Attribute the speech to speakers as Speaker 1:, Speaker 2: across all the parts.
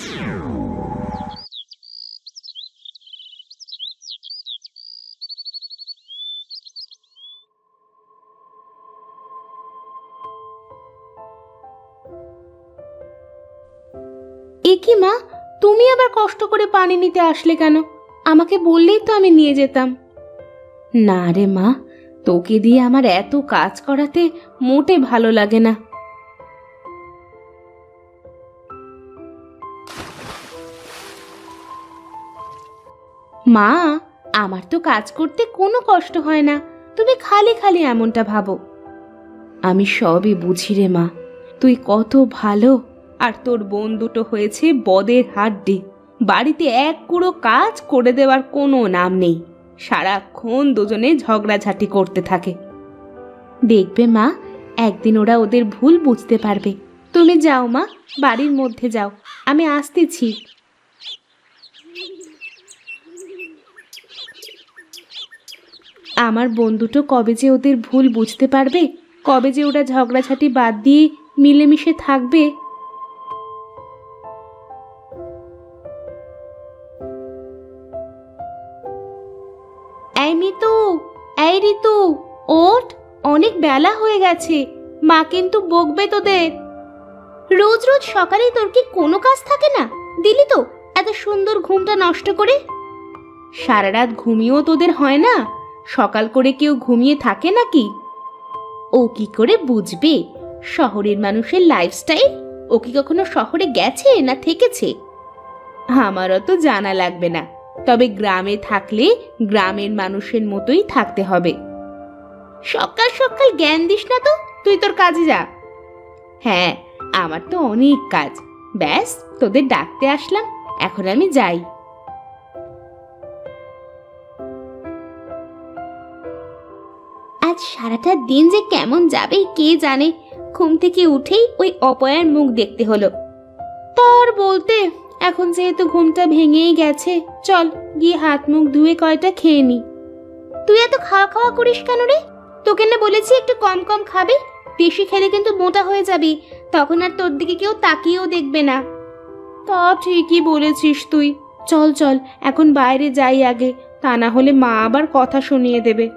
Speaker 1: এ কি মা, তুমি আবার কষ্ট করে পানি নিতে আসলে কেন? আমাকে বললেই তো আমি নিয়ে যেতাম। না রে মা, তোকে দিয়ে আমার এত কাজ করাতে মোটে ভালো লাগে না। মা, আমার তো কাজ করতে কোনো কষ্ট হয় না, তুমি খালি খালি এমনটা ভাবো। আমি সবই বুঝি রে মা, তুই কত ভালো, আর তোর বোন দুটো হয়েছে বদের হাড্ডি। বাড়িতে এক কুড়ো কাজ করে দেওয়ার কোনো নাম নেই, সারাক্ষণ দুজনে ঝগড়াঝাটি করতে থাকে। দেখবে মা, একদিন ওরা ওদের ভুল বুঝতে পারবে। তুমি যাও মা, বাড়ির মধ্যে যাও, আমি আসতেছি। আমার বোন দুটো কবে যে ওদের ভুল বুঝতে পারবে, কবে যে ওরা ঝগড়াঝাটি বাদ দিয়ে মিলেমিশে থাকবে। এই মিতু, এই ঋতু, ওঠ, অনেক বেলা হয়ে গেছে, মা কিন্তু বকবে তোদের। রোজ রোজ সকালেই তোর কি কোনো কাজ থাকে না? দিলি তো এত সুন্দর ঘুমটা নষ্ট করে। সারা রাত ঘুমিয়েও তোদের হয় না? সকাল করে কেউ ঘুমিয়ে থাকে নাকি? ও কি করে বুঝবে শহরের মানুষের লাইফস্টাইল? ও কি কখনো শহরে গেছে না থেকেছে? আমারও তো জানা লাগবে না, তবে গ্রামে থাকলে গ্রামের মানুষের মতোই থাকতে হবে। সকাল সকাল জ্ঞান দিস না তো, তুই তোর কাজে যা। হ্যাঁ, আমার তো অনেক কাজ, ব্যাস তোদের ডাকতে আসলাম, এখন আমি যাই। আজ সারাটা দিন যে কেমন যাবে কে জানে। ঘুম থেকে উঠেই ওই অপয়ার মুখ দেখতে হলো। তার বলতে, এখন যেহেতু ঘুমটা ভেঙেই গেছে, চল গিয়ে হাত মুখ ধুয়ে কয়টা খেয়ে নি। তুই এত খাওয়া খাওয়া করিস কেন রে? তোকে না বলেছি একটু কম কম খাবে, বেশি খেলে কিন্তু মোটা হয়ে যাবি, তখন আর তোর দিকে কেউ তাকিয়েও দেখবে না। তা ঠিকই বলেছিস তুই, চল চল এখন বাইরে যাই আগে, তা না হলে মা আবার কথা শুনিয়ে দেবে।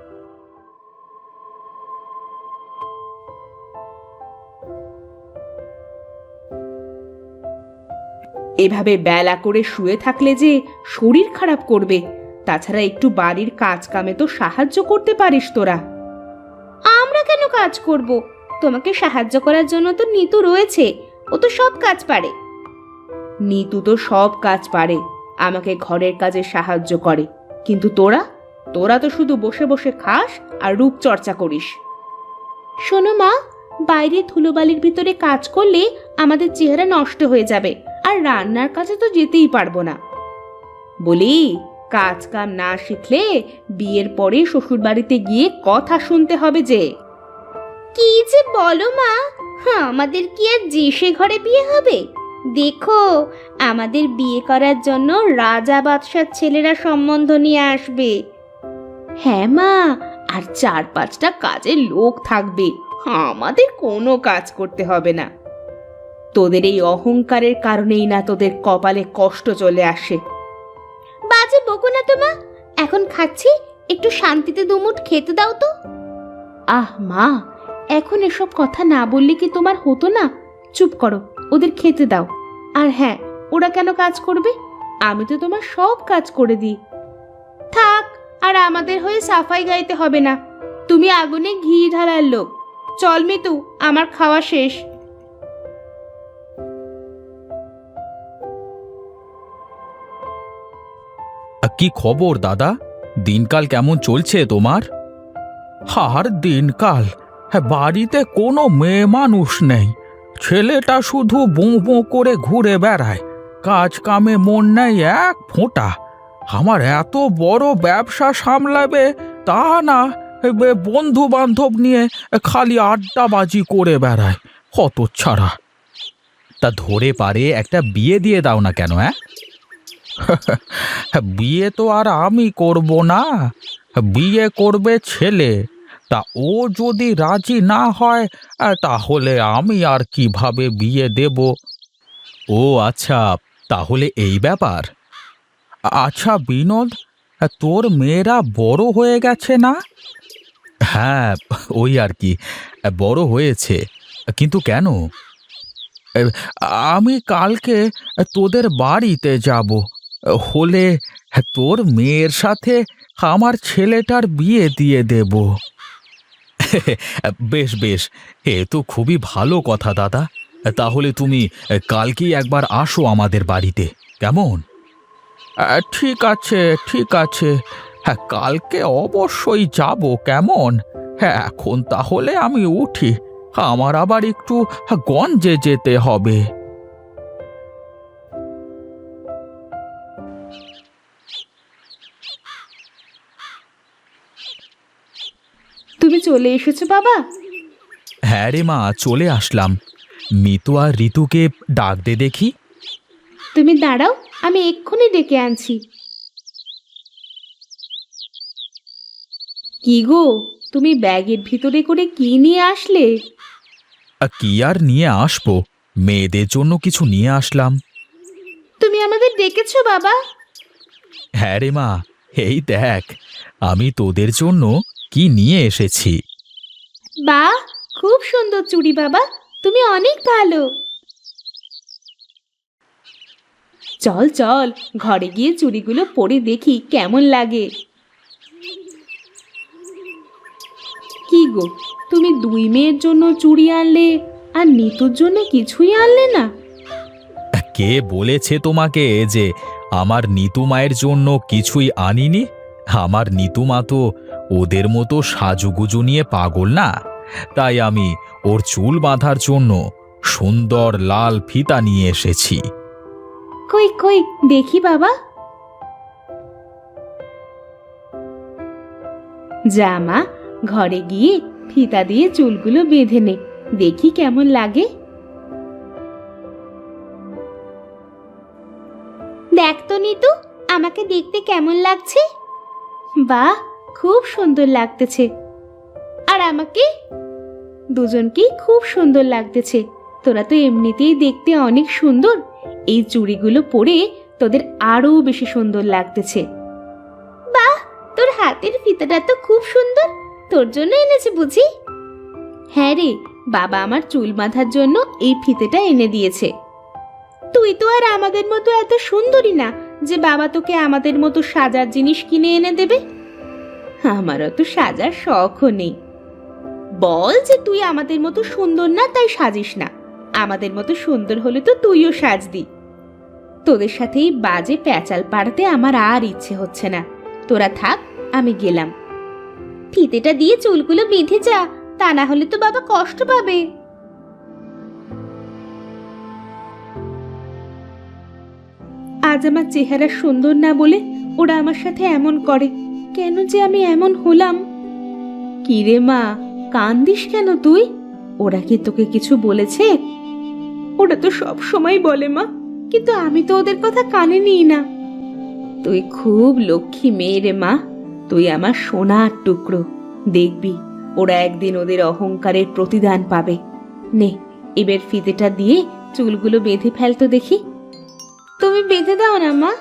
Speaker 1: এভাবে বেলা করে শুয়ে থাকলে যে শরীর খারাপ করবে, তাছাড়া একটু বাড়ির কাজ কামে তো সাহায্য করতে পারিস তোরা। আমরা কেন কাজ করব? তোমাকে সাহায্য করার জন্য তো নিতু রয়েছে, ও তো সব কাজ পারে। নিতু তো সব কাজ পারে, আমাকে ঘরের কাজে সাহায্য করে, কিন্তু তোরা তোরা তো শুধু বসে বসে খাস আর রূপচর্চা করিস। শোনো মা, বাইরে ধুলোবালির ভিতরে কাজ করলে আমাদের চেহারা নষ্ট হয়ে যাবে, আর রান্নার কাছে তো যেতেই পারবো না। বলি, কাজ কাম না শিখলে বিয়ের পরে শ্বশুর বাড়িতে গিয়ে কথা শুনতে হবে যে। কি যে বলো মা, আমাদের কি আর যে সে ঘরে বিয়ে হবে? দেখো, আমাদের বিয়ে করার জন্য রাজা বাদশার ছেলেরা সম্বন্ধ নিয়ে আসবে। হ্যাঁ মা, আর 4-5টা কাজের লোক থাকবে, আমাদের কোনো কাজ করতে হবে না। তোদের এই অহংকারের কারণেই না তোদের কপালে কষ্ট চলে আসে। বাজে বকো না তো মা, এখন খাচ্ছি, একটু শান্তিতে দুমুঠ খেতে দাও তো। আহ মা, এখন এসব কথা না বললে কি তোমার হতো না? চুপ করো, ওদের খেতে দাও। আর হ্যাঁ, ওরা কেন কাজ করবে? আমি তো তোমার সব কাজ করে দিই। থাক, আর আমাদের হয়ে সাফাই গাইতে হবে না, তুমি আগুনে ঘি ঢালার লোক। চল মিতু, আমার খাওয়া শেষ।
Speaker 2: কি খবর দাদা? দিনকাল কেমন চলছে তোমার? আর দিনকাল, বাড়িতে কোনো মেয়ে মানুষ নেই, ছেলেটা শুধু বোঁ বোঁ করে ঘুরে বেড়ায়, কাজ কামে মন নেই এক ফোঁটা। আমার এত বড় ব্যবসা সামলাবে তা না, বন্ধু বান্ধব নিয়ে খালি আড্ডাবাজি করে বেড়ায়, হতচ্ছাড়া। তা ধরে পারে একটা বিয়ে দিয়ে দাও না কেন? বিয়ে তো আর আমি করব না, বিয়ে করবে ছেলে। তা ও যদি রাজি না হয়, তাহলে আমি আর কিভাবে বিয়ে দেব? ও আচ্ছা, তাহলে এই ব্যাপার। আচ্ছা বিনোদ, তোর মেয়েরা বড় হয়ে গেছে না? হ্যাঁ, ওই আর কি, বড় হয়েছে। কিন্তু কেন? এ, আমি কালকে তোদের বাড়িতে যাব, হলে তোর মেয়ের সাথে আমার ছেলেটার বিয়ে দিয়ে দেব। বেশ বেশ, এ তো খুবই ভালো কথা দাদা। তাহলে তুমি কালকেই একবার আসো আমাদের বাড়িতে, কেমন? ঠিক আছে, ঠিক আছে। হ্যাঁ, কালকে অবশ্যই যাব, কেমন? হ্যাঁ, এখন তাহলে আমি উঠি, আমার আবার একটু গঞ্জে যেতে হবে।
Speaker 1: তুমি চলে এসেছো বাবা?
Speaker 2: হ্যাঁ রে মা, চলে আসলাম। মিতু আর ঋতুকে ডাক দে দেখি।
Speaker 1: তুমি দাঁড়াও, আমি এক্ষুনি ডেকে আনছি। কি গো, তুমি ব্যাগের ভিতরে করে কি নিয়ে আসলে?
Speaker 2: কি আর নিয়ে আসবো, মেয়েদের জন্য কিছু নিয়ে আসলাম।
Speaker 1: তুমি আমাদের ডেকেছো বাবা?
Speaker 2: হ্যাঁ রে মা, এই দেখ, আমি তোদের জন্য কি নিয়ে এসেছি।
Speaker 1: বাহ, খুব সুন্দর চুড়ি বাবা, তুমি অনেক ভালো। চল চল, ঘরে গিয়ে চুড়িগুলো পরে দেখি কেমন লাগে। কি গো, তুমি দুই মেয়ের জন্য চুড়ি আনলে আর নিতুর জন্য কিছুই আনলে না?
Speaker 2: কে বলেছে তোমাকে যে আমার নিতু মায়ের জন্য কিছুই আনিনি? আমার নিতু মা তো ওদের মতো সাজুগুজু নিয়ে পাগল না। তাই আমি ওর চুল বাঁধার জন্য সুন্দর লাল ফিতা নিয়ে এসেছি।
Speaker 1: কই কই দেখি বাবা। জামা, ঘরে গিয়ে ফিতা দিয়ে চুলগুলো বেঁধে নে, দেখি কেমন লাগে। দেখ তো নিতু, আমাকে দেখতে কেমন লাগছে? বাহ, খুব সুন্দর লাগতেছে। আর আমাকে? দুজনকেই খুব সুন্দর লাগতেছে। তোরা তো এমনিতেই দেখতে অনেক সুন্দর, এই চুড়িগুলো পরে তোদের আরো বেশি সুন্দর লাগতেছে। বাহ, তোর হাতের ফিতাটা তো খুব সুন্দর, তোর জন্য এনেছে বুঝি? হ্যাঁ রে, বাবা আমার চুল বাঁধার জন্য এই ফিতেটা এনে দিয়েছে। তুই তো আর আমাদের মতো এত সুন্দরী না যে বাবা তোকে আমাদের মতো সাজার জিনিস কিনে এনে দেবে। আমারও তো সাজার শখও নেই। বল যে তুই আমাদের মতো সুন্দর না, তাই সাজিস না। আমাদের মতো সুন্দর হলে তো তুইও সাজদি। তোদের সাথে এই বাজে প্যাচাল পাড়াতে আমার আর ইচ্ছে হচ্ছে না। তোরা থাক, আমি গেলাম। ফিতেটা দিয়ে চুলগুলো বেঁধে যা, তা না হলে তো বাবা কষ্ট পাবে। আজ আমার চেহারা সুন্দর না বলে ওরা আমার সাথে এমন করে, কেন যে আমি এমন হলাম? কি রে মা, কান্দিস কেন তুই? ওরা কি তোকে কিছু বলেছে? ওরা তো সব সময় বলে মা, কিন্তু আমি তো ওদের কথা কানে নিই না। তুই খুব লক্ষ্মী মেয়ে রে মা, তুই আমার সোনার টুকরো। দেখবি ওরা একদিন ওদের অহংকারের প্রতিদান পাবে। নে, এবার ফিতেটা দিয়ে চুলগুলো বেঁধে ফেলতো দেখি। তুমি বেঁধে দাও না মা।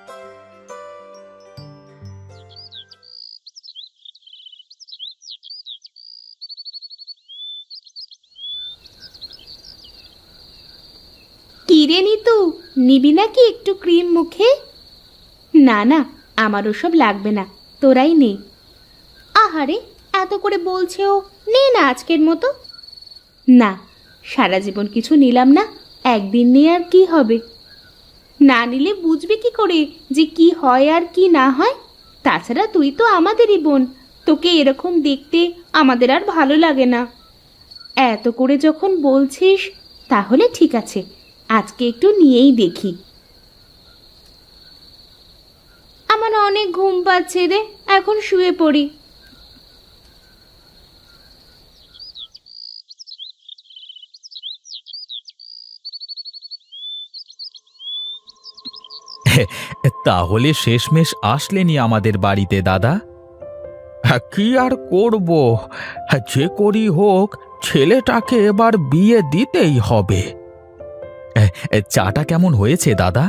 Speaker 1: কি রে নিতু, নিবি নাকি একটু ক্রিম মুখে? না না, আমার ওসব লাগবে না, তোরাই নে। আহারে, এত করে বলছে ও, নে না আজকের মতো। না, সারা জীবন কিছু নিলাম না, একদিন নিয়ে আর কি হবে? না নিলে বুঝবি কি করে যে কি হয় আর কি না হয়? তাছাড়া তুই তো আমাদেরই বোন, তোকে এরকম দেখতে আমাদের আর ভালো লাগে না। এত করে যখন বলছিস, তাহলে ঠিক আছে, আজকে একটু নিয়েই দেখি। আমার অনেক ঘুম পাচ্ছে রে, এখন শুয়ে পড়ি।
Speaker 2: তাহলে শেষমেশ আসলেনি আমাদের বাড়িতে দাদা? কি আর করব, যে করি হোক ছেলেটাকে এবার বিয়ে দিতেই হবে। চাটা কেমন হয়েছে দাদা?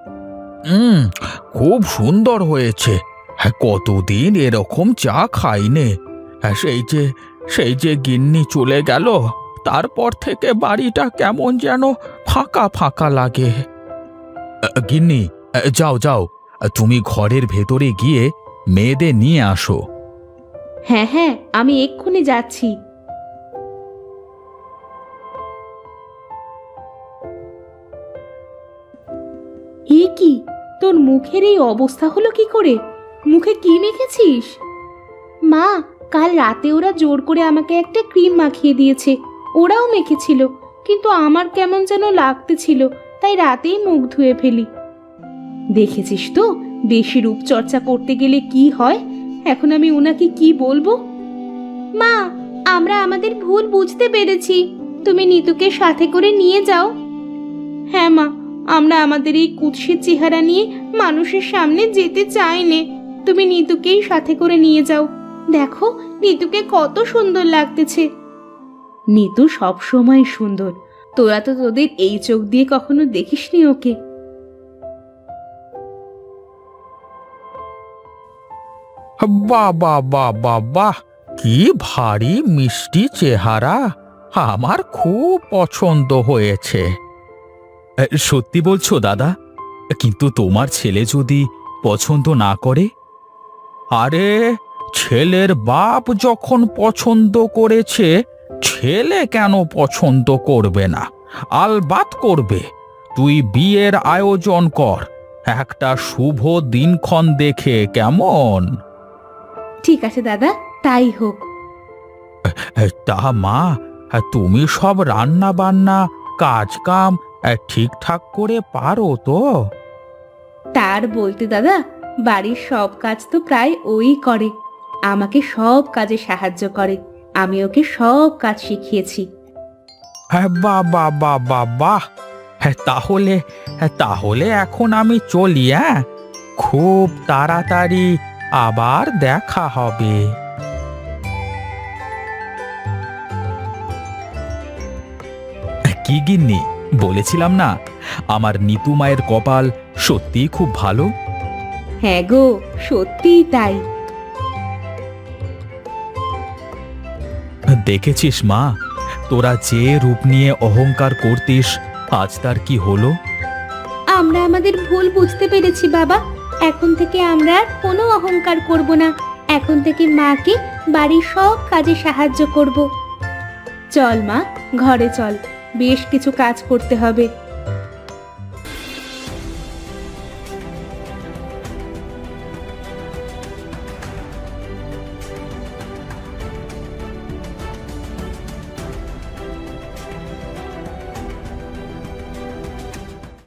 Speaker 2: খুব সুন্দর হয়েছে। হ্যাঁ, কতদিন এরকম চা খাইনে। হ্যাঁ, সেই যে গিন্নি চলে গেল, তারপর থেকে বাড়িটা কেমন যেন ফাঁকা ফাঁকা লাগে। গিন্নি, যাও যাও, তুমি ঘরের ভেতরে গিয়ে মেয়েদের নিয়ে আসো।
Speaker 1: হ্যাঁ হ্যাঁ, আমি এক্ষুনি যাচ্ছি। এ কি, তোর মুখের এই অবস্থা হলো কি করে? মুখে কি মেখেছিস? মা, কাল রাতে ওরা জোর করে আমাকে একটা ক্রিম মাখিয়ে দিয়েছে। ওরাও মেখেছিল, কিন্তু আমার কেমন যেন লাগতেছিল, তাই রাতেই মুখ ধুয়ে ফেলি। দেখেছিস তো, বেশি রূপচর্চা করতে গেলে কি হয়। এখন আমি ওনাকে কি বলবো? মা, আমরা আমাদের ভুল বুঝতে পেরেছি, তুমি নিতুকে সাথে করে নিয়ে যাও। হ্যাঁ মা, আমরা আমাদের এই কুৎসিত চেহারা নিয়ে মানুষের সামনে যেতে চাই নে। তুমি নিতুকেই সাথে করে নিয়ে যাও। দেখো, নিতুকে কত সুন্দর লাগতেছে। নিতু সব সময় সুন্দর, তোরা তো তোদের এই চোখ দিয়ে কখনো দেখিসনি ওকে।
Speaker 2: বাহ বাহ বাহ বাহ বাহ, কি ভারী মিষ্টি চেহারা! আমার খুব পছন্দ হয়েছে। সত্যি বলছো দাদা? কিন্তু তোমার ছেলে যদি পছন্দ না করে? আরে, ছেলের বাপ যখন পছন্দ করেছে, ছেলে কেন পছন্দ করবে না? আলবাত করবে। তুই বিয়ের আয়োজন কর, একটা শুভ দিনক্ষণ দেখে, কেমন?
Speaker 1: ঠিক আছে দাদা, তাই হোক।
Speaker 2: তা মা, তুমি সব রান্না বান্না কাজ কাম ঠিকঠাক করে পারো তো?
Speaker 1: তার বলতে দাদা, বাড়ির সব কাজ তো প্রায় ওই করে। আমাকে সব কাজে সাহায্য করে, আমি ওকে সব কাজ শিখিয়েছি।
Speaker 2: হ্যাঁ, বাহ বাহ বাহ বাহ বাহ। তাহলে এখন আমি চলি। হ্যাঁ, খুব তাড়াতাড়ি আবার দেখা হবে। কি গিন্নি, বলেছিলাম না আমার নিতু মায়ের কপাল সত্যিই খুব ভালো?
Speaker 1: হ্যাঁ গো, সত্যিই তাই।
Speaker 2: দেখেছিস মা, তোরা যে রূপ নিয়ে অহংকার করতিস, আজ তার কি হলো?
Speaker 1: আমরা আমাদের ভুল বুঝতে পেরেছি বাবা। এখন থেকে আমরা আর কোনো অহংকার করব না। এখন থেকে মাকে বাড়ির সব কাজে সাহায্য করব। চল মা, ঘরে চল, বেশ কিছু কাজ করতে হবে।